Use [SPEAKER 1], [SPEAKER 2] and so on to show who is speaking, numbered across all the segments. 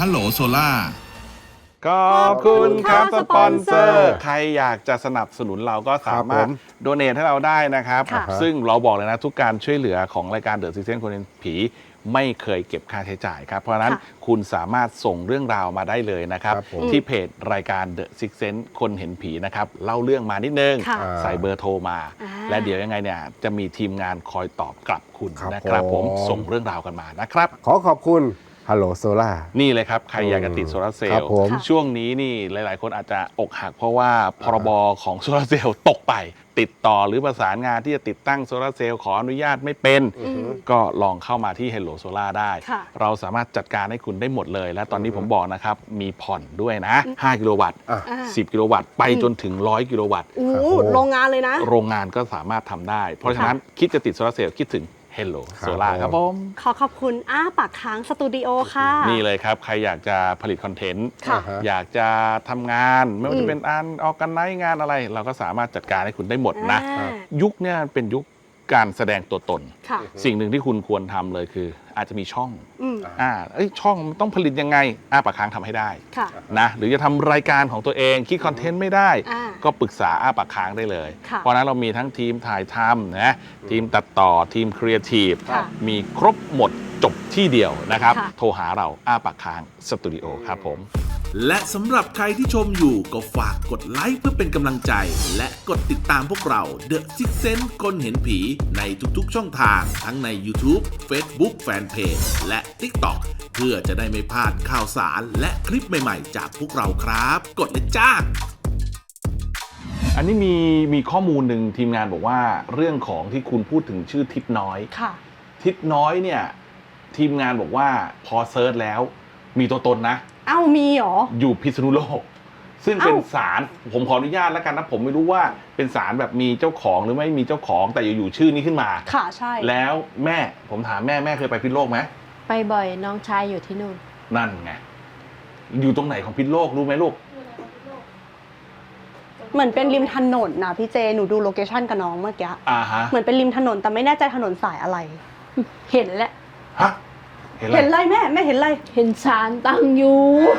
[SPEAKER 1] ฮัลโหลโซล่า
[SPEAKER 2] ขอบคุณครับสปอนเซอร์ใครอยากจะสนับสนุนเราก็สามารถโดเนทให้เราได้นะครับ ซึ่งเราบอกเลยนะทุกการช่วยเหลือของรายการ The Sixth Sense คนเห็นผีไม่เคยเก็บค่าใช้จ่ายครับเพราะฉะนั้นคุณสามารถส่งเรื่องราวมาได้เลยนะครับที่เพจรายการ The Sixth Sense คนเห็นผีนะครับเล่าเรื่องมานิดนึงใส่เบอร์โทรมาและเดี๋ยวยังไงเนี่ยจะมีทีมงานคอยตอบกลับคุณนะครับผมส่งเรื่องราวกันมานะครับ
[SPEAKER 3] ขอบคุณฮัลโหลโซล่า
[SPEAKER 2] นี่เลยครับ ใครอยากจะติดโซลาร์เซลล์ช่วงนี้นี่หลายๆคนอาจจะอกหักเพราะว่าพรบของโซลาร์เซลล์ตกไปติดต่อหรือประสานงานที่จะติดตั้งโซลาร์เซลล์ขออนุญาตไม่เป็นก็ลองเข้ามาที่ Hello Solar ได้เราสามารถจัดการให้คุณได้หมดเลยและตอนนี้ผมบอกนะครับมีผ่อนด้วยนะ5กิโลวัตต์10กิโลวัตต์ไปจนถึง100กิโลวัตต์
[SPEAKER 4] โรงงานเลยนะ
[SPEAKER 2] โรงงานก็สามารถทำได้เพราะฉะนั้นคิดจะติดโซลาร์เซลล์คิดถึงHello Solar ครับผม
[SPEAKER 4] ขอบคุณปากค้างสตูดิโอค่ะ
[SPEAKER 2] นี่เลยครับใครอยากจะผลิตคอนเทนต์อยากจะทำงานไม่ว่าจะเป็นออกกันไนท์งานอะไรเราก็สามารถจัดการให้คุณได้หมดนะยุคนี้เป็นยุคการแสดงตัวตนสิ่งหนึ่งที่คุณควรทำเลยคืออาจจะมีช่องช่องต้องผลิตยังไงปากค้างทำให้ได้นะหรือจะทำรายการของตัวเองคิดคอนเทนต์ไม่ได้ก็ปรึกษาปากค้างได้เลยเพราะนั้นเรามีทั้งทีมถ่ายทำนะทีมตัดต่อทีมครีเอทีฟมีครบหมดจบที่เดียวนะครับโทรหาเราปากค้างสตูดิโอครับผม
[SPEAKER 1] และสำหรับใครที่ชมอยู่ก็ฝากกดไลค์เพื่อเป็นกำลังใจและกดติดตามพวกเรา The Sixth Sense คนเห็นผีในทุกๆช่องทางทั้งใน YouTube Facebook Fanpage และ TikTok เพื่อจะได้ไม่พลาดข่าวสารและคลิปใหม่ๆจากพวกเราครับกดเลยจ้า
[SPEAKER 2] อันนี้มีข้อมูลหนึ่งทีมงานบอกว่าเรื่องของที่คุณพูดถึงชื่อทิศน้อยทิศน้อยเนี่ยทีมงานบอกว่าพอเซิร์ชแล้วมีตัวตนนะ
[SPEAKER 4] มีหรอ
[SPEAKER 2] อยู่พิษณุโลกซึ่งเป็นศาลผมขออนุญาตแล้วกันนะผมไม่รู้ว่าเป็นศาลแบบมีเจ้าของหรือไม่มีเจ้าของแต่อยู่ชื่อนี้ขึ้นมา
[SPEAKER 4] ค่ะใช่
[SPEAKER 2] แล้วแม่ผมถามแม่เคยไปพิษณุโลกไหม
[SPEAKER 5] ไปบ่อยน้องชายอยู่ที่นู่น
[SPEAKER 2] นั่นไงอยู่ตรงไหนของพิษณุโลกรู้ไหมลูก
[SPEAKER 4] เหมือนเป็นริมถนนนะพี่เจหนูดูโลเคชั่นกับน้องเมื่อกี้เหมือนเป็นริมถนนแต่ไม่แน่ใจถนนสายอะไร
[SPEAKER 5] เห็นแล้ว
[SPEAKER 2] ฮะ
[SPEAKER 4] เห็นอะไรแม่เห็นอะไร
[SPEAKER 5] เห็นศาลตั้งอยู่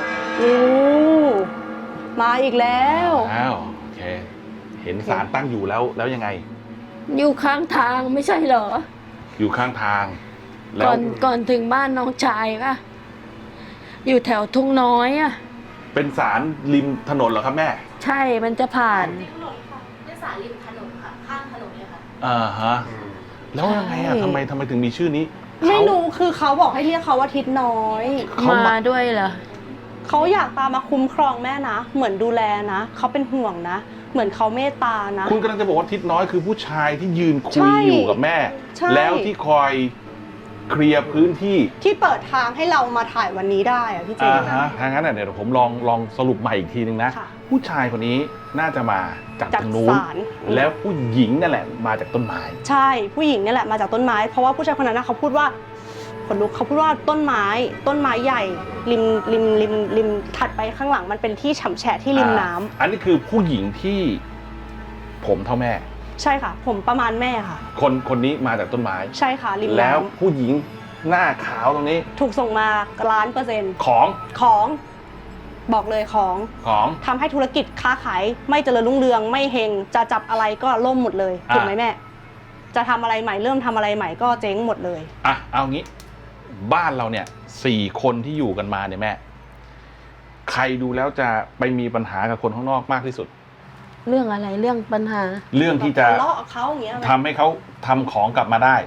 [SPEAKER 4] มาอีกแล้ว
[SPEAKER 2] โอเคเห็นศาลตั้งอยู่แล้วยังไง
[SPEAKER 5] อยู่ข้างทางไม่ใช่เหรอ
[SPEAKER 2] อยู่ข้างทาง
[SPEAKER 5] แล้วก่อนถึงบ้านน้องชายป่ะอยู่แถวทุ่งน้อยอ่ะ
[SPEAKER 2] เป็นศาลริมถนนเหรอครับแม่
[SPEAKER 5] ใช่มันจะผ่าน
[SPEAKER 6] เป็นศาลริมถนนค่ะข้างถนนเลย
[SPEAKER 2] ค่ะแล้วยังไงทำไมถึงมีชื่อนี้
[SPEAKER 4] ไม่รู้คือเขาบอกให้เรียกเขาว่าทิศน้อย
[SPEAKER 5] มาด้วยเหรอ
[SPEAKER 4] เขาอยากตามมาคุ้มครองแม่นะเหมือนดูแลนะเขาเป็นห่วงนะเหมือนเขาเมตตานะ
[SPEAKER 2] คุณกำลังจะบอกว่าทิศน้อยคือผู้ชายที่ยืนคุยอยู่กับแม่แล้วที่คอยเคลียร์พื้นที่
[SPEAKER 4] ที่เปิดทางให้เรามาถ่ายวันนี้ได้อะพี่เจ
[SPEAKER 2] ทางนั้นเดี๋ยวผมลองสรุปใหม่อีกทีนึงนะผู้ชายคนนี้น่าจะมาจากทางนู้นแล้วผู้หญิงนั่นแหละมาจากต้นไม้
[SPEAKER 4] ใช่ผู้หญิงนี่แหละมาจากต้นไม้เพราะว่าผู้ชายคนนั้นเขาพูดว่าคนลุกเขาพูดว่าต้นไม้ใหญ่ริมถัดไปข้างหลังมันเป็นที่ฉ่ำแฉะที่ริมน้ำ
[SPEAKER 2] อันนี้คือผู้หญิงที่ผมเท่าแม่
[SPEAKER 4] ใช่ค่ะผมประมาณแม่ค่ะ
[SPEAKER 2] คนนี้มาจากต้นไม้
[SPEAKER 4] ใช่ค่ะริมน้ำ
[SPEAKER 2] แล้วผู้หญิงหน้าขาวตรงนี้
[SPEAKER 4] ถูกส่งมา1,000,000%ของบอกเลยของทำให้ธุรกิจค้าขายไม่เจริญรุ่งเรืองไม่เฮงจะจับอะไรก็ล่มหมดเลยถูกไหมแม่จะทำอะไรใหม่เริ่มทำอะไรใหม่ก็เจ๊งหมดเลย
[SPEAKER 2] เอางี้บ้านเราเนี่ย4 คนที่อยู่กันมาเนี่ยแม่ใครดูแล้วจะไปมีปัญหากับคนข้างนอกมากที่สุด
[SPEAKER 5] เรื่องอะไรเรื่องปัญหา
[SPEAKER 2] เรื่องที่จะทำให้เขาทำของกลับมาได้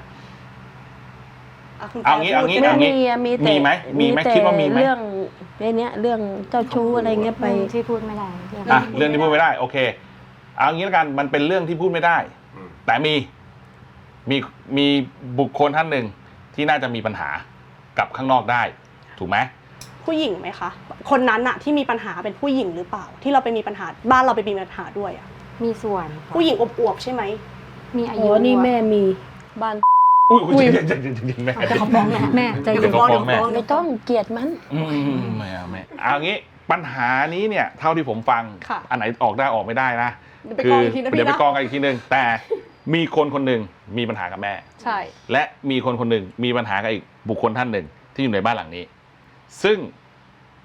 [SPEAKER 2] เอางี้มีไหมคิดว่ามีไหม
[SPEAKER 5] เรื่องเรื่องเจ้าชู้อะไรเงี้ยไป
[SPEAKER 6] ที่พูดไม่ได้
[SPEAKER 2] เรื่องที่พูดไม่ได้โอเคเอางี้แล้วกันมันเป็นเรื่องที่พูดไม่ได้แต่มีบุคคลท่านหนึ่งที่น่าจะมีปัญหากับข้างนอกได้ถูกไหม
[SPEAKER 4] ผู้หญิงไหมคะคนนั้นอะที่มีปัญหาเป็นผู้หญิงหรือเปล่าที่เราไปมีปัญหาบ้านเราไปมีปัญหาด้วยอะ
[SPEAKER 6] มีส่วน
[SPEAKER 4] ผู้หญิงอวบๆใช่ไหม
[SPEAKER 6] มีอายุ
[SPEAKER 5] นี่แม่มีบ้าน
[SPEAKER 2] อุ้ย
[SPEAKER 4] แม่จะขอฟ้องแม่ใจเย็น
[SPEAKER 5] ไม่ต้องเกลียดมัน
[SPEAKER 2] ไม่เอางี้ปัญหานี้เนี่ยเท่าที่ผมฟังอันไหนออกได้ออกไม่ได้นะคือเดี๋ยวไปกองกันอีกทีนึงแต่มีคนหนึ่งมีปัญหากับแม่
[SPEAKER 4] ใช่
[SPEAKER 2] และมีคนหนึ่งมีปัญหากับอีกบุคคลท่านหนึ่งที่อยู่ในบ้านหลังนี้ซึ่ง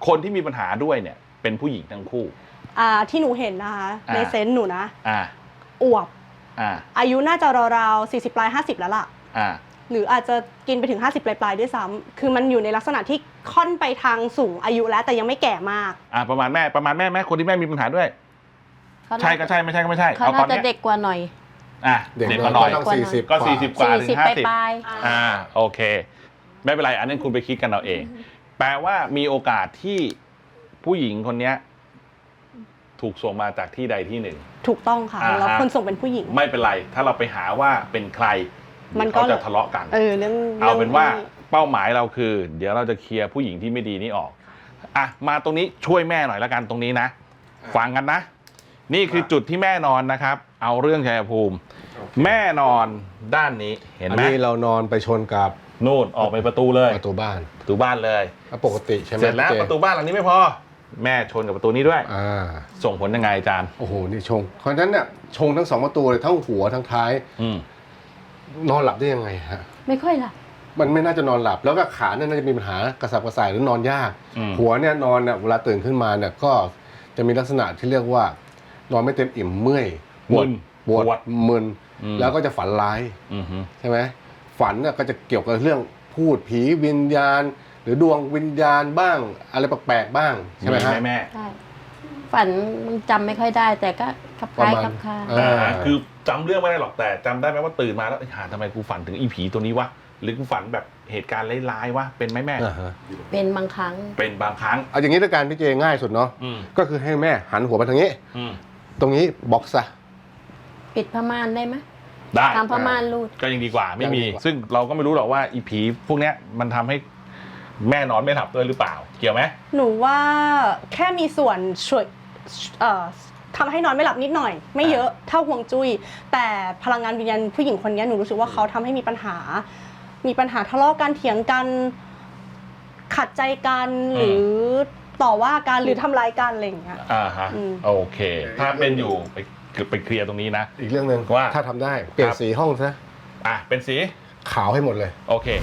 [SPEAKER 2] คนที่มีปัญหาด้วยเนี่ยเป็นผู้หญิงทั้งคู่
[SPEAKER 4] ที่หนูเห็นนะคะในเซนส์หนูนะอวบอายุน่าจะราวๆ40 ปลาย 50แล้วล่ะหรืออาจจะกินไปถึง50 ปลายๆด้วยซ้ำคือมันอยู่ในลักษณะที่ค่อนไปทางสูงอายุแล้วแต่ยังไม่แก่มาก
[SPEAKER 2] ประมาณแม่คนที่แม่มีปัญหาด้วยใช่ก็ใช่ไม่ใช่ก็ไม่ใช่
[SPEAKER 5] เขาน่าจะเด็กกว่าหน่อย
[SPEAKER 3] เด็กกว่าหน่อยต้อง40
[SPEAKER 2] ก็40 กว่าถึง50
[SPEAKER 5] ปลาย
[SPEAKER 2] โอเคไม่เป็นไรอันนี้คุณไปคิดกันเอาเองแปลว่ามีโอกาสที่ผู้หญิงคนนี้ถูกส่งมาจากที่ใดที่หนึ่ง
[SPEAKER 4] ถูกต้องค่ะแล้วคนส่งเป็นผู้หญิง
[SPEAKER 2] ไม่เป็นไรถ้าเราไปหาว่าเป็นใครมันก็จะทะเลาะกันเอาเป็นว่าเป้าหมายเราคือเดี๋ยวเราจะเคลียร์ผู้หญิงที่ไม่ดีนี้ออกมาตรงนี้ช่วยแม่หน่อยละกันตรงนี้นะฟังกันนะนี่คือจุดที่แม่นอนนะครับเอาเรื่องชัยภูมิแม่นอนด้านนี้เห็นไหม
[SPEAKER 3] อันนี้เรานอนไปชนกับ
[SPEAKER 2] นู่นออกไปประตูเลย
[SPEAKER 3] ประตูบ้าน
[SPEAKER 2] เลย
[SPEAKER 3] ปกติใช่ไหม
[SPEAKER 2] เสร็จแล้วประตูบ้านหลังนี้ไม่พอแม่ชนกับประตูนี้ด้วยส่งผลยังไงอาจารย์
[SPEAKER 3] โอ้โหนี่ชงเพราะฉะนั้นเนี่ยชงทั้ง2ประตูเลยทั้งหัวทั้งท้ายนอนหลับได้ยังไงฮะ
[SPEAKER 5] ไม่ค่อยหลับ
[SPEAKER 3] มันไม่น่าจะนอนหลับแล้วก็ขาเนี่ยน่าจะมีปัญหากระสับกระส่ายหรือนอนยากหัวเนี่ยนอนเนี่ยเวลาตื่นขึ้นมาเนี่ยก็จะมีลักษณะที่เรียกว่านอนไม่เต็มอิ่มเมื่อยปวดมึนแล้วก็จะฝันร้ายใช่ไหมฝันเนี่ยก็จะเกี่ยวกับเรื่องพูดผีวิญญาณหรือดวงวิญญาณบ้างอะไรแปลกๆบ้างใช่ไหมฮะ
[SPEAKER 2] แม่
[SPEAKER 5] ใช่ฝันมันจำไม่ค่อยได้แต่ก็คลับคล้ายคลับคลา
[SPEAKER 2] คือจำเรื่องไม่ได้หรอกแต่จำได้ไหมว่าตื่นมาแล้วทำไมกูฝันถึงอีผีตัวนี้วะหรือกูฝันแบบเหตุการณ์ร้ายๆวะเป็นไหมแม่
[SPEAKER 5] เป็นบางครั้ง
[SPEAKER 3] เอาอย่างนี้ด้วยการพี่เจง่ายสุดเนาะก็คือให้แม่หันหัวไปทางนี้ตรงนี้บล็อกซะ
[SPEAKER 5] ปิดผ้าม่านได้ไหม
[SPEAKER 2] ได้
[SPEAKER 5] ทำผ้าม่านรูด
[SPEAKER 2] ก็ยังดีกว่าไม่มีซึ่งเราก็ไม่รู้หรอกว่าอีผีพวกเนี้ยมันทำให้แม่นอนไม่หลับด้วยหรือเปล่าเกี่ยวไหม
[SPEAKER 4] หนูว่าแค่มีส่วนช่วยทำให้นอนไม่หลับนิดหน่อยไม่เยอะเท่าห่วงจุ้ยแต่พลังงานวิญญาณผู้หญิงคนนี้หนูรู้สึกว่าเขาทำให้มีปัญหาทะเลาะกันเถียงกันขัดใจกันหรือต่อว่ากันหรือทำร้ายกันอะไรอย่างเงี้ย
[SPEAKER 2] โอเคถ้าเป็นอยู่ไปเคลียร์ตรงนี้นะ
[SPEAKER 3] อีกเรื่องนึงว่าถ้าทำได้เปลี่ยนสีห้องซะ
[SPEAKER 2] เป็นสี
[SPEAKER 3] ขาวให้หมดเลย
[SPEAKER 2] โอเค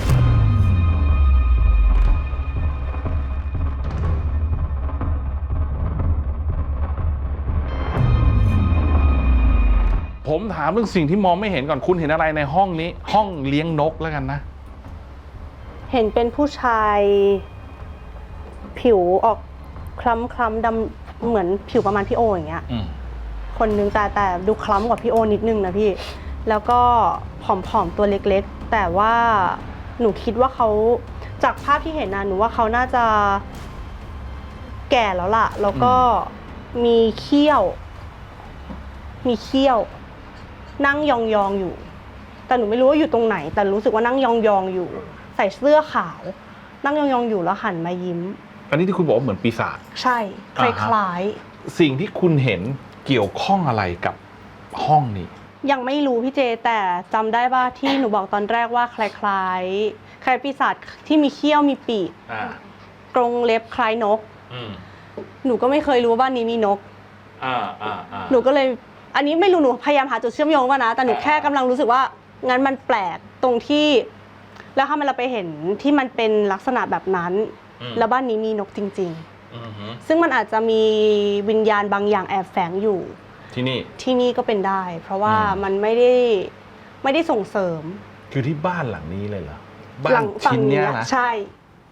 [SPEAKER 2] ผมถามเรื่องสิ่งที่มองไม่เห็นก่อนคุณเห็นอะไรในห้องนี้ห้องเลี้ยงนกแล้วกันนะ
[SPEAKER 4] เห็นเป็นผู้ชายผิวออกคล้ำดำเหมือนผิวประมาณพี่โออย่างเงี้ยคนนึงแต่ดูคล้ำกว่าพี่โอนิดนึงนะพี่แล้วก็ผอมๆตัวเล็กๆแต่ว่าหนูคิดว่าเขาจากภาพที่เห็นนะหนูว่าเขาน่าจะแก่แล้วล่ะแล้วก็มีเขี้ยวนั่งยองๆอยู่แต่หนูไม่รู้ว่าอยู่ตรงไหนแต่รู้สึกว่านั่งยองๆอยู่ใส่เสื้อขาวนั่งยองๆอยู่แล้วหันมายิ้ม
[SPEAKER 2] อันนี้ที่คุณบอกว่าเหมือนปีศาจ
[SPEAKER 4] ใช่คล้าย
[SPEAKER 2] ๆสิ่งที่คุณเห็นเกี่ยวข้องอะไรกับห้องนี้
[SPEAKER 4] ยังไม่รู้พี่เจแต่จำได้ว่าที่หนูบอกตอนแรกว่าคล้ายปีศาจที่มีเขี้ยวมีปีกกรงเล็บคล้ายนกหนูก็ไม่เคยรู้ว่าบ้านนี้มีนกหนูก็เลยอันนี้ไม่รู้หนูพยายามหาจุดเชื่อมโยงว่านะแต่หนูแค่กำลังรู้สึกว่างั้นมันแปลกตรงที่แล้วถ้าเราไปเห็นที่มันเป็นลักษณะแบบนั้นแล้วบ้านนี้มีนกจริงๆซึ่งมันอาจจะมีวิญญาณบางอย่างแอบแฝงอยู่
[SPEAKER 2] ที่
[SPEAKER 4] นี่ก็เป็นได้เพราะว่ามันไม่ได้ส่งเสริม
[SPEAKER 2] คือที่บ้านหลังนี้เลยเหรอบ้านชิ้นเนี้ยนะ
[SPEAKER 4] ใช่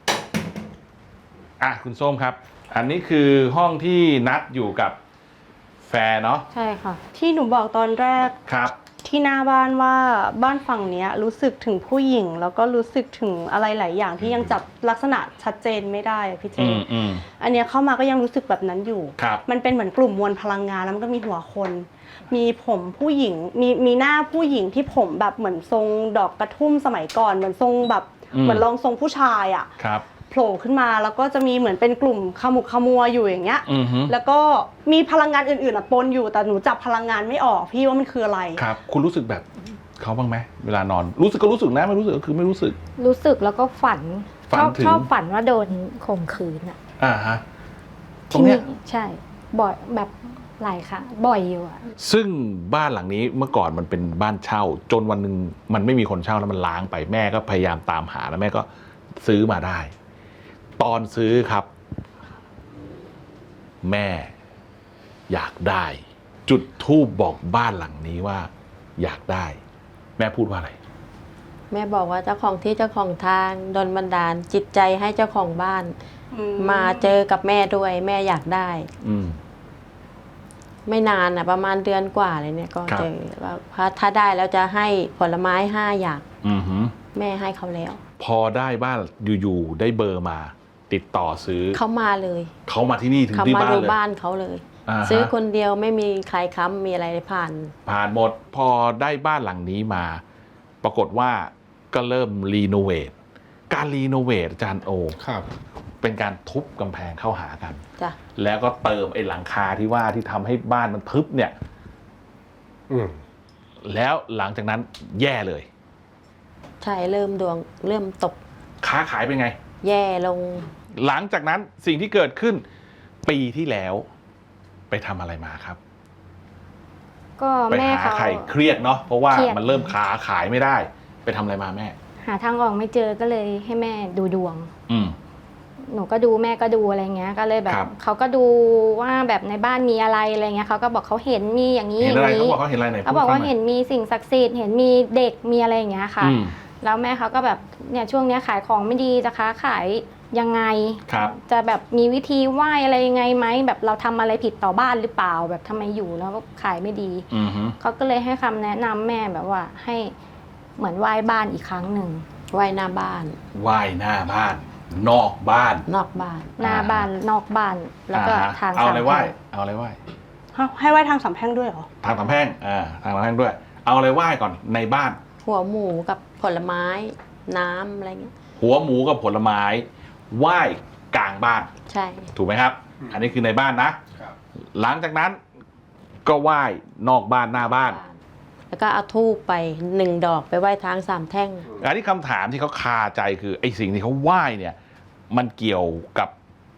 [SPEAKER 2] คุณส้มครับอันนี้คือห้องที่นัดอยู่กับแฟนเนาะ
[SPEAKER 5] ใช่ค่ะ
[SPEAKER 4] ที่หนูบอกตอนแรก
[SPEAKER 2] ครับ
[SPEAKER 4] ที่หน้าบ้านว่าบ้านฝั่งนี้รู้สึกถึงผู้หญิงแล้วก็รู้สึกถึงอะไรหลายอย่างที่ยังจับลักษณะชัดเจนไม่ได้พี่เจอันนี้เข้ามาก็ยังรู้สึกแบบนั้นอยู่มันเป็นเหมือนกลุ่มมวลพลังงานแล้วมันก็มีหัวคนมีผมผู้หญิงมีหน้าผู้หญิงที่ผมแบบเหมือนทรงดอกกระทุ่มสมัยก่อนเหมือนทรงแบบเหมือนรองทรงผู้ชายอ่ะโผล่ขึ้นมาแล้วก็จะมีเหมือนเป็นกลุ่มขมุกขมัวอยู่อย่างเงี้ยแล้วก็มีพลังงานอื่นๆปนอยู่แต่หนูจับพลังงานไม่ออกพี่ว่ามันคืออะไร
[SPEAKER 2] ครับคุณรู้สึกแบบเขาบ้างไหมเวลานอนรู้สึกก็รู้สึกนะไม่รู้สึกก็คือไม่รู้สึก
[SPEAKER 5] แล้วก็ฝันชอบฝันว่าโดนข่มขืน
[SPEAKER 2] ฮะตรงเนี้ย
[SPEAKER 5] ใช่บ่อยแบบหลายค่ะบ่อยอยู่
[SPEAKER 2] ซึ่งบ้านหลังนี้เมื่อก่อนมันเป็นบ้านเช่าจนวันนึงมันไม่มีคนเช่าแล้วมันล้างไปแม่ก็พยายามตามหาแล้วแม่ก็ซื้อมาได้ตอนซื้อครับแม่อยากได้ จุดธูปบอกบ้านหลังนี้ว่า อยากได้ แม่พูดว่าอะไร
[SPEAKER 5] แม่บอกว่าเจ้าของที่เจ้าของทางดลบันดาลจิตใจให้เจ้าของบ้าน มาเจอกับแม่ด้วยแม่อยากได้ ไม่นานประมาณเดือนกว่าเลยเนี่ยก็เจอว่าถ้าได้แล้วจะให้ผลไม้5 อย่างแม่ให้เขาแล้ว
[SPEAKER 2] พอได้บ้านอยู่ๆได้เบอร์มา ติดต่อซื้อ
[SPEAKER 5] เขามาเลย
[SPEAKER 2] เขามาที่นี่ถึง
[SPEAKER 5] เขา
[SPEAKER 2] ที่
[SPEAKER 5] มา
[SPEAKER 2] บ้าน
[SPEAKER 5] ดู
[SPEAKER 2] เลย
[SPEAKER 5] บ้านเขาเลย ซื้อคนเดียวไม่มีใครค้ำมีอะไรผ่าน
[SPEAKER 2] หมดพอได้บ้านหลังนี้มา ปรากฏว่าก็เริ่มรีโนเวทการรีโนเวทอาจารย์โอ
[SPEAKER 3] ครับ
[SPEAKER 2] เป็นการทุบกำแพงเข้าหากัน
[SPEAKER 5] จ้ะ
[SPEAKER 2] แล้วก็เติมไอ้หลังคาที่ว่าที่ทำให้บ้านมันทึบเนี่ยแล้วหลังจากนั้นแย่เลย
[SPEAKER 5] ใช่เริ่มดวงเริ่มตก
[SPEAKER 2] ค้าขายเป็นไง
[SPEAKER 5] แย่ลง
[SPEAKER 2] หลังจากนั้นสิ่งที่เกิดขึ้น ปีที่แล้วไปทำอะไรมาครับ
[SPEAKER 6] ก็
[SPEAKER 2] ไป
[SPEAKER 6] แม่
[SPEAKER 2] หา
[SPEAKER 6] เขา
[SPEAKER 2] ใครเครียดเนาะเพราะว่า
[SPEAKER 6] เครียด
[SPEAKER 2] มันเริ่มค้าขายไม่ได้ ไปทำอะไรมาแม่
[SPEAKER 6] หาทางออกไม่เจอก็เลยให้แม่ดูดวง
[SPEAKER 2] อืม
[SPEAKER 6] หนูก็ดูแม่ก็ดูอะไรเงี้ยก็เลยแบบ
[SPEAKER 2] ครับ
[SPEAKER 6] เขาก็ดูว่าแบบในบ้านมีอะไรอะไรเงี้ยเขาก็บอกเขาเห็นมีอย่างนี้
[SPEAKER 2] เห็
[SPEAKER 6] อน ย่า
[SPEAKER 2] อะไร
[SPEAKER 6] ง
[SPEAKER 2] เขา
[SPEAKER 6] นี้
[SPEAKER 2] บอกเขาเห็นอะไรไหน
[SPEAKER 6] เขาบอกว่า
[SPEAKER 2] พูดฟัง
[SPEAKER 6] เห็นมีสิ่งศักดิ์สิทธิ์เห็นมีเด็กมีอะไรอย่างเงี้ยค่ะ
[SPEAKER 2] อืม
[SPEAKER 6] แล้วแม่เขาก็แบบเนี่ยช่วงเนี้ยขายของไม่ดีจะค้าขายยังไง
[SPEAKER 2] ครับ
[SPEAKER 6] จะแบบมีวิธีไหว้อะไรยังไงไหมแบบเราทำอะไรผิดต่อบ้านหรือเปล่าแบบทำไมอยู่แล้วก็ขายไม่ดี
[SPEAKER 2] อือฮึ
[SPEAKER 6] เขาก็เลยให้คำแนะนำแม่แบบว่าให้เหมือนไหว้บ้านอีกครั้งหนึ่ง
[SPEAKER 5] ไว้หน้าบ้าน
[SPEAKER 2] ไหว้หน้าบ้าน นอกบ้าน
[SPEAKER 5] นอกบ้าน
[SPEAKER 6] หน้าบ้านนอกบ้านแล้วก็ทาง
[SPEAKER 2] เอาอะไรไหว้
[SPEAKER 6] สามแพร่ง
[SPEAKER 2] เอาอะไรไหว้
[SPEAKER 4] ให้ไหว้ทางสามแพร่งด้วยเหรอ
[SPEAKER 2] ทางสามแพร่งทางสามแพร่งด้วย เอาอะไรไหว้ก่อนในบ้าน
[SPEAKER 5] หัวหมูกับผลไม้น้ำอะไรเงี้ย
[SPEAKER 2] หัวหมูกับผลไม้ไหว้กลางบ้าน
[SPEAKER 5] ใช่
[SPEAKER 2] ถูกไหมครับ อันนี้คือในบ้านนะ หลังจากนั้นก็ไหว้นอกบ้านหน้าบ้าน
[SPEAKER 5] แล้วก็เอาธูปไป1 ดอกไปไหว้ทาง3 แท่ง
[SPEAKER 2] อันนี้คำถามที่เขาคาใจคือไอ้สิ่งที่เขาไหว้เนี่ย มันเกี่ยวกับ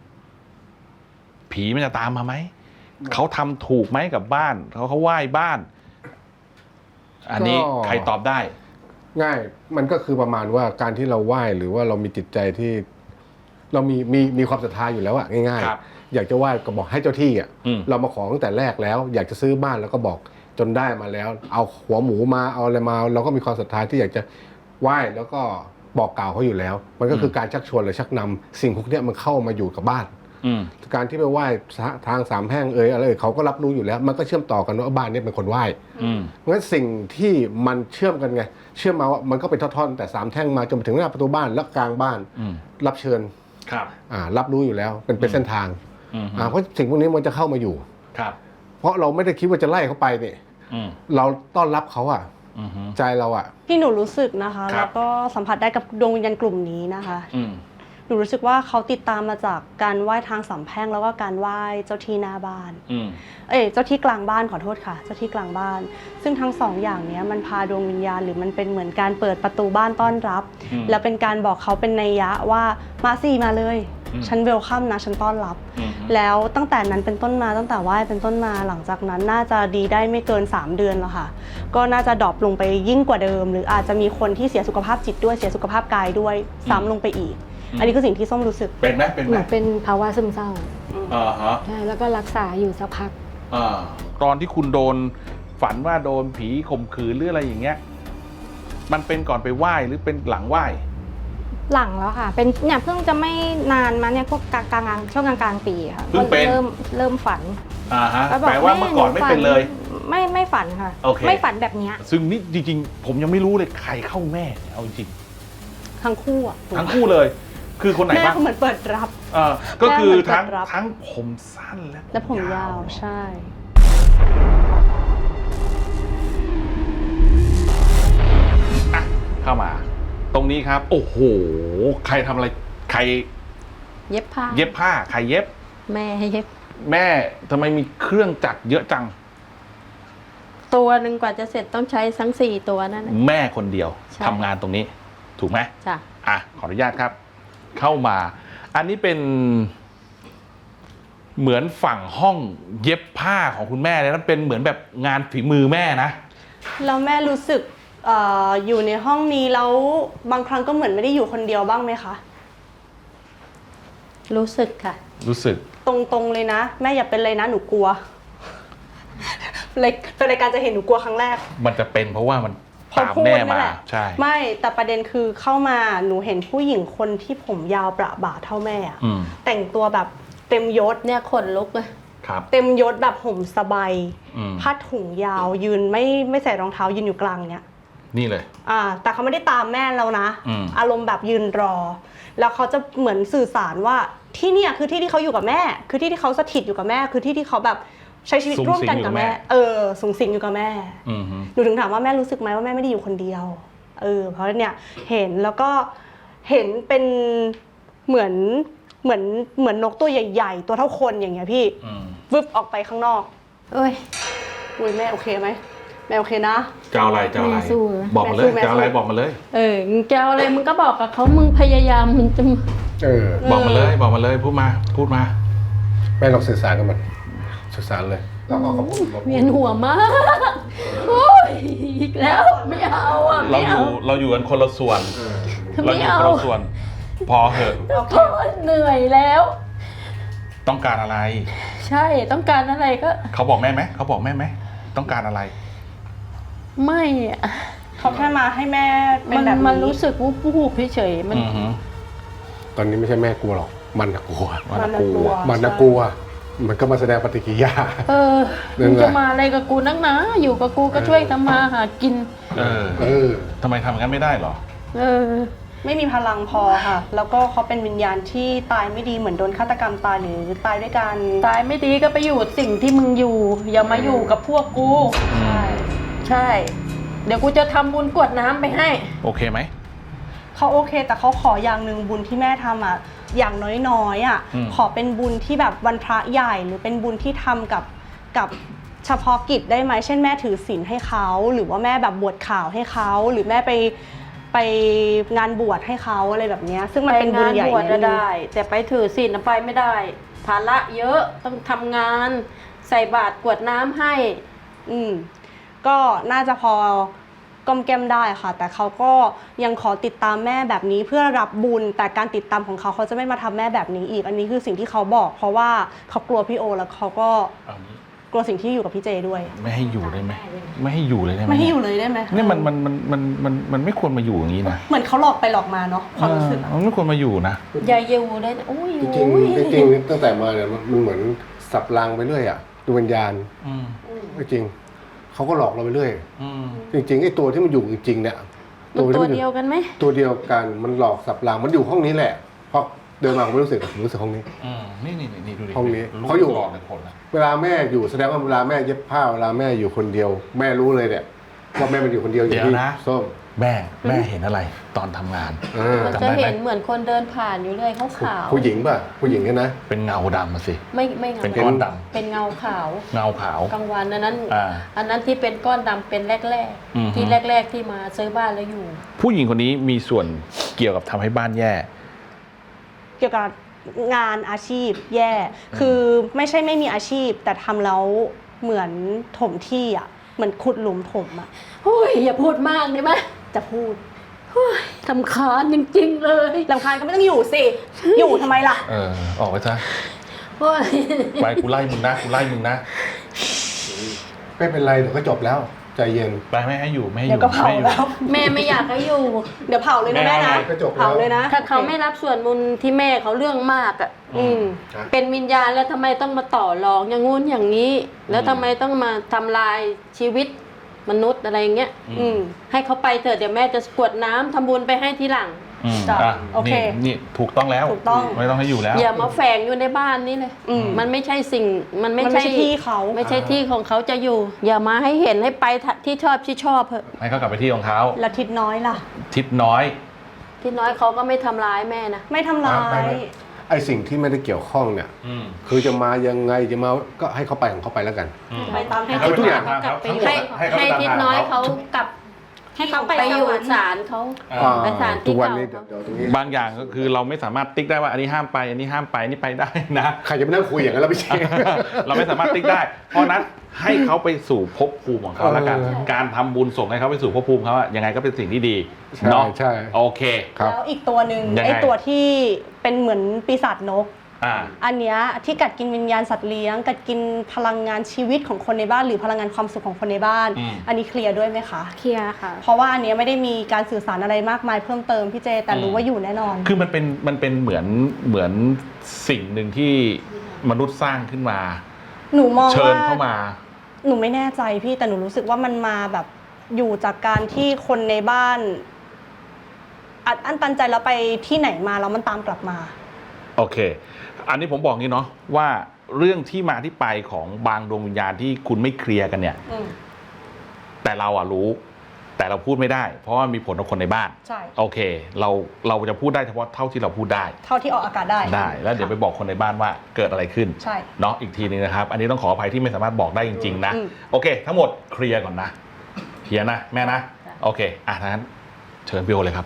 [SPEAKER 2] ผีมันจะตามมาไหม เขาทำถูกไหมกับบ้านเขาไหว้บ้าน อันนี้ใครตอบได้
[SPEAKER 3] ง่ายมันก็คือประมาณว่าการที่เราไหว้หรือว่าเรามีจิตใจที่เรามีความศรัทธาอยู่แล้วอะง่าย
[SPEAKER 2] ครับ
[SPEAKER 3] ๆอยากจะไหว้ก็บอกให้เจ้าที่อะ
[SPEAKER 2] อืม
[SPEAKER 3] เรามาขอตั้งแต่แรกแล้ว อยากจะซื้อบ้านแล้วก็บอกจนได้มาแล้ว เอาหัวหมูมาเอาอะไรมา เราก็มีความศรัทธาที่อยากจะไหว้แล้วก็บอกกล่าวเขาอยู่แล้ว มันก็คือการชักชวนหรือชักนำสิ่งพวกเนี้ยมันเข้ามาอยู่กับบ้าน
[SPEAKER 2] อืม
[SPEAKER 3] การที่ไปไหว้ทางสามแพร่งอะไรเขาก็รับรู้อยู่แล้ว มันก็เชื่อมต่อกันว่าบ้านนี้เป็นคนไหว้
[SPEAKER 2] อืม
[SPEAKER 3] เพราะฉะนั้นสิ่งที่มันเชื่อมกันไงเชื่อมมาว่ามันก็เป็นท่อนๆแต่สามแท่งมาจนถึงหน้าประตูบ้านและกลางบ้าน
[SPEAKER 2] อืม
[SPEAKER 3] รับเชิญ
[SPEAKER 2] ครับ
[SPEAKER 3] รับรู้อยู่แล้วเป็นเส้นทาง
[SPEAKER 2] อืม
[SPEAKER 3] เพราะสิ่งพวกนี้มันจะเข้ามาอยู่
[SPEAKER 2] ครับ
[SPEAKER 3] เพราะเราไม่ได้คิดว่าจะไล่เขาไปเนี่ย
[SPEAKER 2] อืม
[SPEAKER 3] เราต้อนรับเขาอ่ะ
[SPEAKER 2] อืม
[SPEAKER 3] ใจเราอ่ะ
[SPEAKER 4] ที่หนูรู้สึกนะคะ
[SPEAKER 2] ครับ
[SPEAKER 4] แล้วก็สัมผัสได้กับดวงวิญญาณกลุ่มนี้นะคะ
[SPEAKER 2] อืม
[SPEAKER 4] หนูรู้สึกว่าเขาติดตามมาจากการไหว้ทางสามแพร่งแล้วก็การไหว้เจ้าที่หน้าบ้าน
[SPEAKER 2] อืม
[SPEAKER 4] เจ้าที่กลางบ้านขอโทษค่ะ เจ้าที่กลางบ้าน ซึ่งทั้งสองอย่างเนี้ยมันพาดวงวิญญาณหรือมันเป็นเหมือนการเปิดประตูบ้านต้อนรับ
[SPEAKER 2] อืม
[SPEAKER 4] แล้วเป็นการบอกเขาเป็นนัยยะว่ามาสิมาเลย
[SPEAKER 2] อืม
[SPEAKER 4] ฉันเวลคัมนะฉันต้อนรับ
[SPEAKER 2] อืม
[SPEAKER 4] แล้วตั้งแต่นั้นเป็นต้นมาตั้งแต่ไหว้เป็นต้นมาหลังจากนั้นน่าจะดีได้ไม่เกิน3 เดือนแล้วค่ะ ก็น่าจะดรอปลงไปยิ่งกว่าเดิม หรืออาจจะมีคนที่เสียสุขภาพจิตด้วยเสียสุขภาพกายด้วยซ้ำลงไปอีก อันนี้คือสิ่งที่ส้มรู้สึก
[SPEAKER 2] เป็นไหมเป็น
[SPEAKER 6] ห
[SPEAKER 2] ไหม
[SPEAKER 6] นูเป็นภาวะซึมเศร้า
[SPEAKER 2] ฮะ
[SPEAKER 6] ใช่แล้วก็รักษาอยู่สักพัก
[SPEAKER 2] ตอนที่คุณโดนฝันว่าโดนผีข่มขืนหรืออะไรอย่างเงี้ย มันเป็นก่อนไปไหว้หรือเป็นหลังไหว้
[SPEAKER 6] หลังแล้วค่ะ เป็นเนี่ยเพิ่งจะไม่นานมาเนี่ยพวกกลางช่วงกลางปีค่ะ
[SPEAKER 2] เพิ่งเป็น
[SPEAKER 6] เริ่มฝัน
[SPEAKER 2] แปลว่าเมื่อก่อนไม่เป็นเลย
[SPEAKER 6] ไม่ฝันค่ะ
[SPEAKER 2] โอเค
[SPEAKER 6] ไม่ฝันแบบเนี้ย
[SPEAKER 2] ซึ่งนี่จริงๆ ผมยังไม่รู้เลยใครเข้าแม่เนี่ยเอาจริง
[SPEAKER 4] ทั้งคู่อะ
[SPEAKER 2] ทั้งคู่เลย คือคนไหน
[SPEAKER 4] แม่
[SPEAKER 2] บ้าง
[SPEAKER 4] เขาเหมือนเปิดรับ
[SPEAKER 2] ก็คือ
[SPEAKER 4] แม่เหมือน
[SPEAKER 2] ทั้ง
[SPEAKER 4] เปิดรับ
[SPEAKER 2] ทั้งผมสั้นและ
[SPEAKER 4] และผมยาวใช่
[SPEAKER 2] อ่ะเข้ามา ตรงนี้ครับ โอ้โห ใครทำอะไร ใคร
[SPEAKER 5] เย็บผ้า
[SPEAKER 2] เย็บผ้า ใครเย็บ
[SPEAKER 5] แม่ให้เย็บ
[SPEAKER 2] แม่ทำไมมีเครื่องจักรเยอะจัง
[SPEAKER 5] ตัวหนึ่งกว่าจะเสร็จต้องใช้ทั้ง4 ตัวนั่นน่ะ
[SPEAKER 2] แม่คนเดียว
[SPEAKER 5] ใช่
[SPEAKER 2] ทำงานตรงนี้ ถูกไหม
[SPEAKER 5] จ้ะ
[SPEAKER 2] ขออนุญาตครับ เข้ามา อันนี้เป็น เหมือนฝั่งห้องเย็บผ้าของคุณแม่เลยนะเป็นเหมือนแบบงานฝีมือแม่นะ
[SPEAKER 4] แล้วแม่รู้สึกอยู่ในห้องนี้แล้วบางครั้งก็เหมือนไม่ได้อยู่คนเดียวบ้างไหมคะ
[SPEAKER 5] รู้สึกค่ะ
[SPEAKER 2] รู้สึก
[SPEAKER 4] ตรงๆเลยนะแม่อย่าเป็นเลยนะหนูกลัวเลยเป็นรายการจะเห็นหนูกลัวครั้งแรก
[SPEAKER 2] มันจะเป็นเพราะว่ามัน
[SPEAKER 4] พอ
[SPEAKER 2] ตาม
[SPEAKER 4] พูด
[SPEAKER 2] แม่
[SPEAKER 4] นั่
[SPEAKER 2] มาน
[SPEAKER 4] แหละ
[SPEAKER 2] ใช่
[SPEAKER 4] ไม่แต่ประเด็นคือเข้ามาหนูเห็นผู้หญิงคนที่ผมยาวประบ่าเท่าแม่อะ
[SPEAKER 2] อืม
[SPEAKER 4] แต่งตัวแบบเต็มยศ
[SPEAKER 5] เนี่ยขนลุกเลย
[SPEAKER 2] ครับ
[SPEAKER 4] เต็มยศแบบห่มสบาย
[SPEAKER 2] อืม
[SPEAKER 4] ผ้าถุงยาวยืนไม่ใส่รองเท้ายืนอยู่กลางเนี้ย
[SPEAKER 2] นี่เลย
[SPEAKER 4] แต่เขาไม่ได้ตามแม่เรานะ
[SPEAKER 2] อืม
[SPEAKER 4] อารมณ์แบบยืนรอ แล้วเขาจะเหมือนสื่อสารว่าที่เนี่ยคือที่ที่เขาอยู่กับแม่ คือที่ที่เขาสถิตอยู่กับแม่ คือที่ที่เขาแบบใช้ชีวิตร่วมกันกับแม่สูงสิงอยู่กับแม่
[SPEAKER 2] อืม
[SPEAKER 4] หนูถึงถามว่าแม่รู้สึกไหมว่าแม่ไม่ได้อยู่คนเดียวเพราะเนี่ยเห็นแล้วก็เห็นเป็นเหมือนนกตัวใหญ่ๆตัวเท่าคนอย่างเงี้ยพี่
[SPEAKER 2] อืม
[SPEAKER 4] วึบออกไปข้างนอก
[SPEAKER 5] เอ้ย
[SPEAKER 4] อุ้ยแม่โอเคไหมแม่โอเคนะ
[SPEAKER 2] จะเอาอะไรจะเอาอะไร
[SPEAKER 5] แม่สู้นะ
[SPEAKER 2] บอกมาเลย
[SPEAKER 4] แม่สู้
[SPEAKER 2] จะเอาอะไรบอกมาเลย
[SPEAKER 5] มึงจะเอาอะไรมึงก็บอกกับเขามึงพยายามมึงจะ
[SPEAKER 2] บอกมาเลยบอกมาเลยพูดมา
[SPEAKER 3] แม่ลองสื่อสารกับมันสื่อสารเลยแล้วก็ขอบคุณ
[SPEAKER 5] เวียนหัวมากโอ้ยอีกแล้วไม่เอาอ่ะ
[SPEAKER 2] เรา
[SPEAKER 5] ไม่
[SPEAKER 2] อ
[SPEAKER 5] เอา
[SPEAKER 2] ยู่เราอยู่กันคนละส่วน เราอยู่คนละส่วน พอเหอะ
[SPEAKER 4] โอเค
[SPEAKER 5] โอ้ยเหนื่อยแล้ว
[SPEAKER 2] ต้องการอะไร
[SPEAKER 5] ใช่ต้องการอะไรก็
[SPEAKER 2] เขาบอกแม่ไหมเขาบอกแม่ไหมต้องการอะไร
[SPEAKER 5] ไม่อะ
[SPEAKER 4] เขาแค่มาให้แม่เป็น
[SPEAKER 5] มัน
[SPEAKER 4] แบบนี้
[SPEAKER 5] มันรู้สึกวูบๆเฉยๆมัน
[SPEAKER 2] อือหือ
[SPEAKER 3] ตอนนี้ไม่ใช่แม่กลัวหรอกมันน่ะกลัว
[SPEAKER 2] มันน่ะกลัว
[SPEAKER 3] มันน่ะกลัว มันก็มาแสดงปฏิกิริยา นั่
[SPEAKER 5] มึ
[SPEAKER 3] น
[SPEAKER 5] ง
[SPEAKER 3] แหละ
[SPEAKER 5] จะมาอะไรกับกูนักหนาอยู่กับกูก็ช่วยทำมาหากิน
[SPEAKER 3] เออ
[SPEAKER 2] ทำไมทำอย่างนั้นไม่ได้เหรอ
[SPEAKER 5] เออ
[SPEAKER 4] ไม่มีพลังพอค่ะ แล้วก็เขาเป็นวิญญาณที่ตายไม่ดีเหมือนโดนฆาตกรรมตายหรือตายด้วยการ
[SPEAKER 5] ตายไม่ดีก็ไปอยู่สิ่งที่มึงอยู่ อย่ามาอยู่กับพวกกู
[SPEAKER 2] อืม
[SPEAKER 5] ใช่ เดี๋ยวกูจะทำบุญกรวดน้ำไปให้
[SPEAKER 2] โอเคไหม
[SPEAKER 4] เขาโอเค แต่เขาขออย่างหนึ่งบุญที่แม่ทำอ่ะอย่างน้อยๆอ่ะ
[SPEAKER 2] อืม
[SPEAKER 4] ขอเป็นบุญที่แบบวันพระใหญ่หรือเป็นบุญที่ทำกับเฉพาะกิจได้ไหมเช่นแม่ถือศีลให้เขาหรือว่าแม่แบบบวชข่าวให้เขาหรือแม่ไปงานบวชให้เขาอะไรแบบเนี้ยซึ่งมัน
[SPEAKER 5] ไป
[SPEAKER 4] เป็นบุญ
[SPEAKER 5] งาน
[SPEAKER 4] ใหญ่
[SPEAKER 5] บวช
[SPEAKER 4] นิดนึง
[SPEAKER 5] ได้ แต่ไปถือศีลไปไม่ได้ ภาระเยอะต้องทำงานใส่บาตรกรวดน้ำให้
[SPEAKER 4] ก็น่าจะพอก้มแก้มได้ค่ะ แต่เขาก็ยังขอติดตามแม่แบบนี้เพื่อรับบุญ แต่การติดตามของเขาจะไม่มาทำแม่แบบนี้อีก อันนี้คือสิ่งที่เขาบอก เพราะว่าเขากลัวพี่โอแล้วเขาก็
[SPEAKER 2] เอางี้
[SPEAKER 4] กลัวสิ่งที่อยู่กับพี่เจด้วย
[SPEAKER 2] ไม่ให้อยู่ได้ไหมไม่ให้อยู่เลยได้ไหม
[SPEAKER 4] ไม่ให้อยู่เลยได้ไหม
[SPEAKER 2] เนี่ยมันไม่ควรมาอยู่อย่างนี้นะ
[SPEAKER 4] เหมือนเขาหลอกไปหลอกมาเนาะความรู้สึกอะ
[SPEAKER 2] มันไม่ควรมาอยู่นะ
[SPEAKER 5] อย่าอยู่เลยนะอุ้ย
[SPEAKER 3] จริงๆจริงๆตั้งแต่มาเนี่ยมันเหมือนสับรางไปเรื่อยอ่ะดูวิญญาณ
[SPEAKER 2] อืม
[SPEAKER 3] จริงเขาก็หลอกเราไปเรื่อย
[SPEAKER 2] อืม
[SPEAKER 3] จริงๆไอ้ตัวที่มันอยู่จริงๆเนี่ย
[SPEAKER 5] มันตัว
[SPEAKER 3] ที่
[SPEAKER 5] เดียวกันไหม
[SPEAKER 3] ตัวเดียวกันมันหลอกสับรางมันอยู่ห้องนี้แหละเพราะเดินมาผมไม่รู้สึกผมรู้สึกห้องนี้
[SPEAKER 2] อืมนี่ดูดิ
[SPEAKER 3] ห้องนี้
[SPEAKER 2] รู้
[SPEAKER 3] เขาอยู่
[SPEAKER 2] ก่อนเป็นคนละ
[SPEAKER 3] เวลาแม่อยู่แสดงว่าเวลาแม่เย็บผ้าเวลาแม่อยู่คนเดียว แม่รู้เลยเนี่ยว่าแม่มันอยู่คนเดียวอย่างที่ส้ม
[SPEAKER 2] แม่เห็นอะไรตอนทำงาน
[SPEAKER 5] มันจะเห็นเหมือนคนเดินผ่านอยู่เลยขาว
[SPEAKER 3] ผู้หญิงป่ะผู้หญิงเนี่ยนะ
[SPEAKER 2] เป็นเงาดำมาสิ
[SPEAKER 5] ๆไม่เงา
[SPEAKER 2] เป็นก้อนดำ
[SPEAKER 5] เป็นเงาขาว
[SPEAKER 2] เงาขาว
[SPEAKER 5] กลางวันอันนั้น
[SPEAKER 2] อ่า
[SPEAKER 5] อันนั้นที่เป็นก้อนดำเป็นแรก
[SPEAKER 2] อือฮึ
[SPEAKER 5] ๆที่แรก ๆที่มาซื้อบ้านแล้วอยู่
[SPEAKER 2] ผู้หญิงคนนี้มีส่วนเกี่ยวกับทำให้บ้านแย่
[SPEAKER 4] เกี่ยวกับงานอาชีพแย่ คือไม่ใช่ไม่มีอาชีพ แต่ทำแล้วเหมือนถมที่อ่ะเหมือนขุดหลุมถมอ่ะ
[SPEAKER 5] โอ้ยอย่าพูดมากได้ไหม
[SPEAKER 4] จะพูด
[SPEAKER 5] โอ้ยทำคาญจริงๆเลย
[SPEAKER 4] รำคาญก็ไม่ต้องอยู่สิ อยู่ทำไมล่ะ
[SPEAKER 2] ออกไปซะ
[SPEAKER 5] โอ้ย
[SPEAKER 2] ไปกูไล่มึงนะ
[SPEAKER 3] ไม่เป็นไรเดี๋ยวก็จบแล้วใจเย็น
[SPEAKER 2] ไปไม่ให้อยู่ไม่ให้อ
[SPEAKER 4] เดี๋ยว
[SPEAKER 2] ยู่
[SPEAKER 4] ก็เผา
[SPEAKER 2] ไม่ให้อยู่
[SPEAKER 4] แล้ว
[SPEAKER 5] แม่ไม่อยากให้อยู่
[SPEAKER 4] เดี๋ยวเผาเลยนะแม่นะ
[SPEAKER 3] ก็จบแล้ว
[SPEAKER 4] เผาเลยนะ
[SPEAKER 5] ถ้าเขาไม่รับส่วนบุญที่แม่เขาเรื่องมากอ่ะ
[SPEAKER 4] อืม
[SPEAKER 5] เป็นวิญญาณแล้วทำไมต้องมาต่อรองอย่างงู้นอย่างนี้ แล้วทำไมต้องมาทำลายชีวิตมนุษย์อะไรอย่างเงี้ย
[SPEAKER 4] อืม
[SPEAKER 5] ให้เขาไปเถอะเดี๋ยวแม่จะกรวดน้ำทำบุญไปให้ทีหลัง
[SPEAKER 4] จ้ะ
[SPEAKER 2] อ่ะ
[SPEAKER 4] โอเค
[SPEAKER 2] นี่ถูกต้องแล้ว
[SPEAKER 4] ถูกต้อง
[SPEAKER 2] ไม่ต้องให้อยู่แล้ว
[SPEAKER 5] อย่ามาแฝงอยู่ในบ้านนี่เลย
[SPEAKER 4] อืม
[SPEAKER 5] มันไม่ใช่สิ่ง มันไม่
[SPEAKER 4] มันไม่ใช่ที่เขา
[SPEAKER 5] ไม่ใช่ที่ของเขาจะอยู่ อย่ามาให้เห็นให้ไปที่ชอบเถอะ
[SPEAKER 2] ให้เขากลับไปที่ของเขา
[SPEAKER 4] แล้วทิศน้อยล่ะ
[SPEAKER 2] ทิศน้อย
[SPEAKER 5] ที่น้อยเขาก็ไม่ทำร้ายแม่นะ
[SPEAKER 4] ไม่ทำร้า
[SPEAKER 3] ไม่
[SPEAKER 4] ย
[SPEAKER 3] ไม่ ไอ้สิ่งที่ไม่ได้เกี่ยวข้องเนี่ย คือจะมายังไงจะมาก็ให้เขาไปของเขาไปแล้วกัน
[SPEAKER 4] ไปตาม
[SPEAKER 5] ให้
[SPEAKER 4] ให้
[SPEAKER 5] ทิศ
[SPEAKER 3] ทุก
[SPEAKER 5] น้
[SPEAKER 3] อ
[SPEAKER 5] อย
[SPEAKER 3] ย่าง
[SPEAKER 5] เขากลับไป
[SPEAKER 2] ให้
[SPEAKER 5] ให้ทิศน้อยเขากลับ
[SPEAKER 6] ให้เขาไป
[SPEAKER 5] ไปอยู่
[SPEAKER 6] สวรรค์
[SPEAKER 5] ศาลเขา ไปศาลที่
[SPEAKER 3] ทุกวัน
[SPEAKER 5] เก่า
[SPEAKER 3] นี้เดี๋ยวตรงนี้
[SPEAKER 2] บางอย่างก็คือเราไม่สามารถติ๊กได้ว่าอันนี้ห้ามไป อันนี้ห้ามไปอันนี้ไปได้นะ
[SPEAKER 3] ใครจะไปนั่งคุยอย่างนั้นแล้วพี่เชษ
[SPEAKER 2] เราไม่สามารถติ๊กได้ เพราะนั้นให้เขาไปสู่ภพภูมิของเขาแล้วกัน การทำบุญส่งให้เขาไปสู่ภพภูมิเขาอะยังไงก็เป็นสิ่งที่ดี
[SPEAKER 3] ใช่
[SPEAKER 2] เนาะ
[SPEAKER 3] ใช่
[SPEAKER 2] โอเค
[SPEAKER 3] ครับ
[SPEAKER 4] แล้วอีกตัวหนึ่ง
[SPEAKER 2] ยังไง
[SPEAKER 4] ไอ้ตัวที่เป็นเหมือนปีศาจนกอันเนี้ยที่กัดกินวิญญาณสัตว์เลี้ยงกัดกินพลังงานชีวิตของคนในบ้านหรือพลังงานความสุขของคนในบ้าน อันนี้เคลียร์ด้วยไหมคะ
[SPEAKER 6] เคลียร์ค่ะ
[SPEAKER 4] เพราะว่าอันเนี้ยไม่ได้มีการสื่อสารอะไรมากมายเพิ่มเติมพี่เจแต่รู้ว่าอยู่แน่นอน
[SPEAKER 2] คือมันเป็นเหมือนสิ่งหนึ่งที่มนุษย์สร้างขึ้นมา
[SPEAKER 4] หนูมองว่า
[SPEAKER 2] เชิญเข้ามา
[SPEAKER 4] หนูไม่แน่ใจพี่แต่หนูรู้สึกว่ามันมาแบบอยู่จากการที่คนในบ้านอัดอั้นตันใจแล้วไปที่ไหนมาแล้วมันตามกลับมา
[SPEAKER 2] โอเค อันนี้ผมบอกงี้เนาะว่าเรื่องที่มาที่ไปของบางดวงวิญญาณที่คุณไม่เคลียร์กันเนี่ยแต่เรารู้แต่เราพูดไม่ได้เพราะว่ามีผลต่อคนในบ้าน
[SPEAKER 4] ใช่
[SPEAKER 2] โอเคเราจะพูดได้เฉพาะเท่าที่เราพูดได้
[SPEAKER 4] เท่าที่ออกอากาศได้
[SPEAKER 2] แล้วเดี๋ยวไปบอกคนในบ้านว่าเกิดอะไรขึ้น
[SPEAKER 4] ใช่
[SPEAKER 2] เนาะอีกทีนึงนะครับอันนี้ต้องขออภัยที่ไม่สามารถบอกได้จริงๆนะโอเคทั้งหมดเคลียร์ก่อนนะเคลียร์นะแม่นะโอเคทั้งนั้นเชิญพี่โอเลยครับ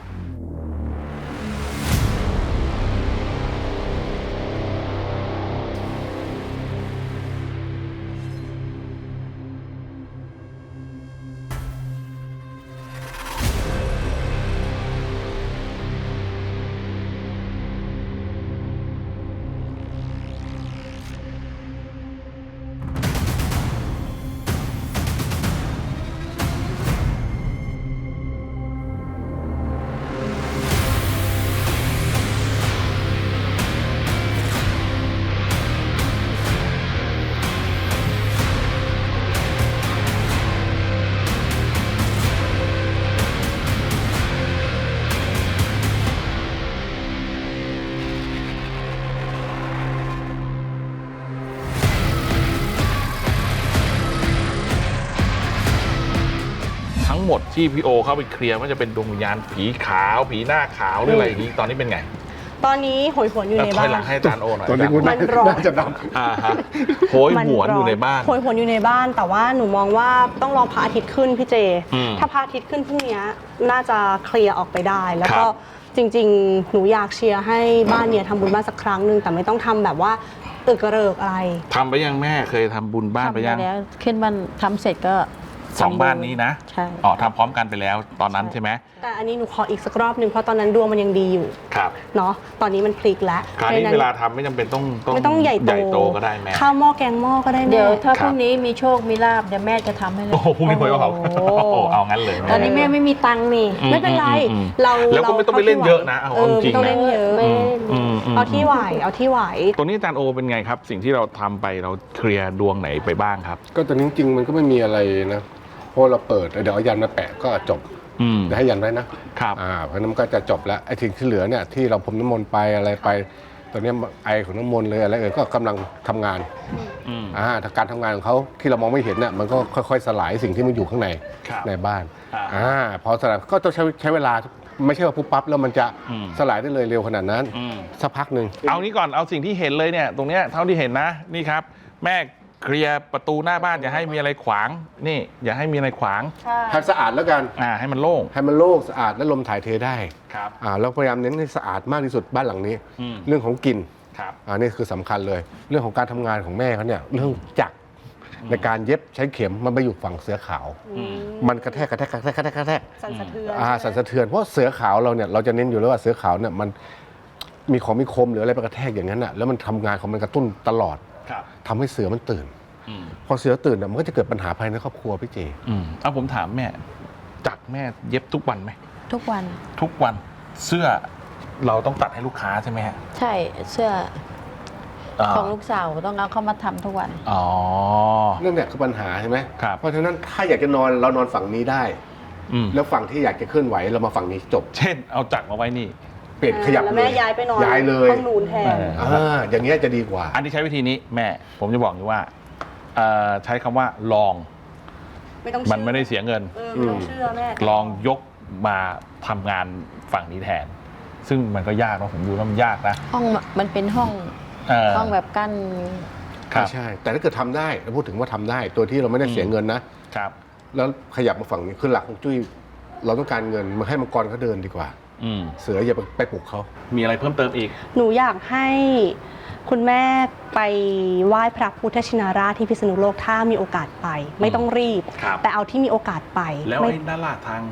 [SPEAKER 2] ทั้งหมดที่พี่โอเข้าไปเคลียร์ว่าจะเป็นดวงวิญญาณผีขาวผีหน้าขาวหรืออะไรอย่างนี้ตอนนี้เป็นไง
[SPEAKER 4] ตอนนี้โหยหวนอยู่ในบ้าน
[SPEAKER 2] หลังให้อาจารย์โอหน่อย
[SPEAKER 3] ตอนนี้คุณน่าจะด
[SPEAKER 2] ำโหยหวนอยู่ในบ้าน
[SPEAKER 4] โหยหวนอยู่ในบ้านแต่ว่าหนูมองว่าต้องรอพระอาทิตย์ขึ้นพี่เจถ้าพระอาทิตย์ขึ้นพรุ่งนี้น่าจะเคลียร์ออกไปได้แล้วก็จริงๆหนูอยากเชียร์ให้บ้านเนี่ยทำบุญบ้านสักครั้งหนึ่งแต่ไม่ต้องทำแบบว่าตึกกระเริกอะไร
[SPEAKER 2] ทำไปยังแม่เคยทำบุญบ้านไปยัง
[SPEAKER 5] แล้วขึ้นบ้านทำเสร็จก็
[SPEAKER 2] 2 บ้านนี้นะ
[SPEAKER 5] ใช่
[SPEAKER 2] ทำพร้อมกันไปแล้วตอนนั้นใช่ไหม
[SPEAKER 4] แต่อันนี้หนูขออีกสักรอบหนึ่งเพราะตอนนั้นดวงมันยังดีอยู่
[SPEAKER 2] ครับ
[SPEAKER 4] เนาะตอนนี้มันพลิกแล้ว
[SPEAKER 2] คราวนี้เวลาทำไม่จำเป็นต้องใหญ่โตก็ได้แม่
[SPEAKER 4] ข้าวหม้อแกงหม้อก็ได้
[SPEAKER 5] เดี๋ยวถ้าพรุ่งนี้มีโชคมีลาบเดี๋ยวแม่จะทำให้เลย
[SPEAKER 2] โอ้โหพรุ่งนี้หวยออกเอางั้นเลย
[SPEAKER 5] ตอนนี้แม่ไม่มีตังค์นี่
[SPEAKER 4] ไม่เป็นไร
[SPEAKER 2] แล้วก็ไม่ต้องไปเล่นเยอะนะเอาจริง
[SPEAKER 4] นะไม่ต้องเล่นเยอะเอาที่ไหว
[SPEAKER 2] ตัวนี้อาจารย์โอเป็นไงครับสิ่งที่เราทำไปเราเคลียร์ดวงไหนไปบ้างครับ
[SPEAKER 3] ก็ตอนนี้จริงมันก็ไม่มีอะไรนะเพราะเราเปิดเดี๋ยวเอายันมาแปะก็จบเดี๋ยวให้ยันไว้นะครับเพราะนั้นก็จะจบแล้วไอ้สิ่งที่เหลือเนี่ยที่เราพรมน้ำมนต์ไปอะไรไปตอนนี้ไอของน้ำมนต์เลยอะไรก็กำลังทำงานการทำงานของเขาที่เรามองไม่เห็นเนี่ยมันก็ค่อยๆสลายสิ่งที่มันอยู่ข้างในบ้านพอสลายก็ต้องใช้เวลาไม่ใช่ว่าปุ๊บปั๊บแล้วมันจะสลายได้เลยเร็วขนาดนั้นสักพักหนึ่ง
[SPEAKER 2] เอานี้ก่อนเอาสิ่งที่เห็นเลยเนี่ยตรงเนี้ยเท่าที่เห็นนะนี่ครับแม่เคลียร์ประตูหน้าบ้านอย่าให้มีอะไรขวางนี่อย่าให้มีอะไรขวาง
[SPEAKER 3] ให้สะอาดแล้วกัน
[SPEAKER 2] ให้มันโล่ง
[SPEAKER 3] สะอาดและลมถ่ายเทได้
[SPEAKER 2] ครับ
[SPEAKER 3] แล้วพยายามเน้นให้สะอาดมากที่สุดบ้านหลังนี้เรื่องของกลิ่นนี่คือสำคัญเลยเรื่องของการทำงานของแม่เขาเนี่ยเรื่องจักรในการเย็บใช้เข็มมันไปอยู่ฝั่งเสือขาวมันกระแทก
[SPEAKER 4] สั่นสะเทื
[SPEAKER 3] อนเพราะเสือขาวเราเนี่ยเราจะเน้นอยู่แล้วว่าเสือขาวเนี่ยมันมีของมีคมหรืออะไรไปกระแทกอย่างนั้นอ่ะแล้วมันทำงานของมันกระตุ้นตลอดทำให้เสือมันตื่นพอเสือตื่นมันก็จะเกิดปัญหาภายในครอบครัวพี่เจ
[SPEAKER 2] เอาผมถามแม่จักแม่เย็บทุกวันไหม
[SPEAKER 5] ทุกวัน
[SPEAKER 2] เสื้อเราต้องตัดให้ลูกค้าใช่ไหมฮะ
[SPEAKER 5] ใช่เสื้อของลูกสาวต้องเอาเข้ามาทำทุกวัน
[SPEAKER 3] นั่นแหละคือปัญหาใช่ไหมเพราะฉะนั้นถ้าอยากจะนอนเรานอนฝั่งนี้ได้แล้วฝั่งที่อยากจะเคลื่อนไหวเรามาฝั่งนี้จบ
[SPEAKER 2] เช่นเอาจักรมาไว้นี่
[SPEAKER 3] เปลี่ยนขยับเลย
[SPEAKER 4] แม่ย้ายไปนอน
[SPEAKER 3] ย้ายเลย
[SPEAKER 4] ห้องนูนแทน
[SPEAKER 3] อย่างเงี้ยจะดีกว่า
[SPEAKER 2] อันที่ใช้วิธีนี้แม่ผมจะบอกอยู่ว่าใช้คำว่าลองมันไม่ได้เสียเงิน
[SPEAKER 4] ไม่ต้องเชื่อแม่
[SPEAKER 2] ลองยกมาทำงานฝั่งนี้แทนซึ่งมันก็ยากนะผมดูแล้วมันยากนะ
[SPEAKER 5] ห้องมันเป็นห้องแบบกั้น
[SPEAKER 3] ใช่แต่ถ้าเกิดทำได้เราพูดถึงว่าทำได้ตัวที่เราไม่ได้เสียเงินนะครับแล้วขยับมาฝั่งนี้คือหลักของจุ้ยเราต้องการเงินมาให้มังกรเขาเดินดีกว่าเสืออย่าไปปลุกเขา
[SPEAKER 2] มีอะไรเพิ่มเติมอีก
[SPEAKER 4] หนูอยากให้คุณแม่ไปไหว้พระพุทธชินราชที่พิษณุโลกถ้ามีโอกาสไปไม่ต้องรีบแต่เอาที่มีโอกาสไป
[SPEAKER 2] แล้วไอ้ด้านล่างทาง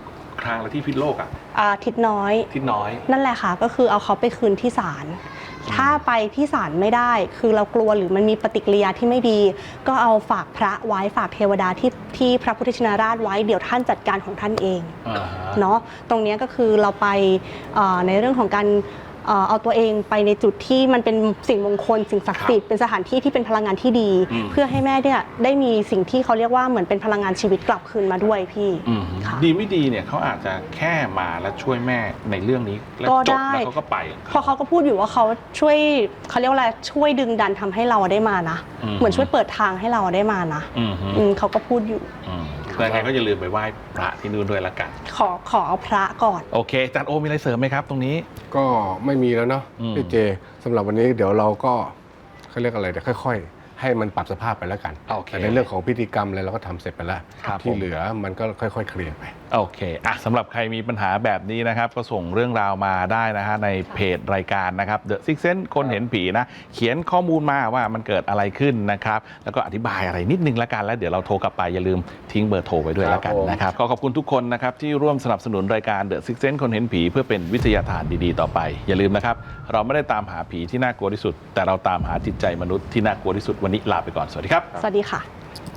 [SPEAKER 2] ครามแล้วที่พิษโลกอ่ะ
[SPEAKER 4] ทิศน้อย
[SPEAKER 2] ทิศน้อย
[SPEAKER 4] นั่นแหละค่ะก็คือเอาเขาไปคืนที่ศาลถ้าไปที่ศาลไม่ได้คือเรากลัวหรือมันมีปฏิกิริยาที่ไม่ดี ก็เอาฝากพระไว้ฝากเทวดาที่พระพุทธชินราชไว้เดี๋ยวท่านจัดการของท่านเองเนาะตรงนี้ก็คือเราไปในเรื่องของการเอาตัวเองไปในจุดที่มันเป็นสิ่งมงคลสิ่งศักดิ์สิทธิ์เป็นสถานที่ที่เป็นพลังงานที่ดี เพื่อให้แม่เนี่ยได้มีสิ่งที่เขาเรียกว่าเหมือนเป็นพลังงานชีวิตกลับคืนมาด้วยพี่
[SPEAKER 2] ดีไม่ดีเนี่ยเขาอาจจะแค่มาแล้วช่วยแม่ในเรื่องนี้แล้วจบแล้วเขาก็ไป
[SPEAKER 4] เพราะเขาก็พูดอยู่ว่าเขาช่วยเขาเรียกว่าอะไรช่วยดึงดันทำให้เราได้มานะเหมือนช่วยเปิดทางให้เราได้มานะเขาก็พูดอยู่
[SPEAKER 2] แต่ไงก็อย่าลืมไปไหว้พระที่นู่นด้วยละกัน
[SPEAKER 4] ขอเอาพระก่อน
[SPEAKER 2] โอเคอาจารย์โอมีอะไรเสริมไหมครับตรงนี้
[SPEAKER 3] ก็ไม่มีแล้วเนาะพี่เจสำหรับวันนี้เดี๋ยวเราก็เขาเรียกอะไรเดี๋ยวค่อยๆให้มันปรับสภาพไปแล้วกันแต่ในเรื่องของพิธีกรรมอะไรเราก็ทำเสร็จไปแล้วที่เหลือมันก็ค่อยๆเคลียร์ไป
[SPEAKER 2] โอเคสำหรับใครมีปัญหาแบบนี้นะครับก็ส่งเรื่องราวมาได้นะฮะในเพจรายการนะครับ The Six Sense คนเห็นผีนะเขียนข้อมูลมาว่ามันเกิดอะไรขึ้นนะครับแล้วก็อธิบายอะไรนิดนึงละกันแล้วเดี๋ยวเราโทรกลับไปอย่าลืมทิ้งเบอร์โทรไว้ด้วยละกันนะครับขอบคุณทุกคนนะครับที่ร่วมสนับสนุนรายการ The Six Sense คนเห็นผีเพื่อเป็นวิทยาทานดีๆต่อไปอย่าลืมนะครับเราไม่ได้ตามหาผีที่น่ากลัวที่สุดแต่เราตามหาจิตใจมนุษย์ที่น่ากลัวที่สุดวันนี้ลาไปก่อนสวัสดีครับ
[SPEAKER 4] สวัสดีค่ะ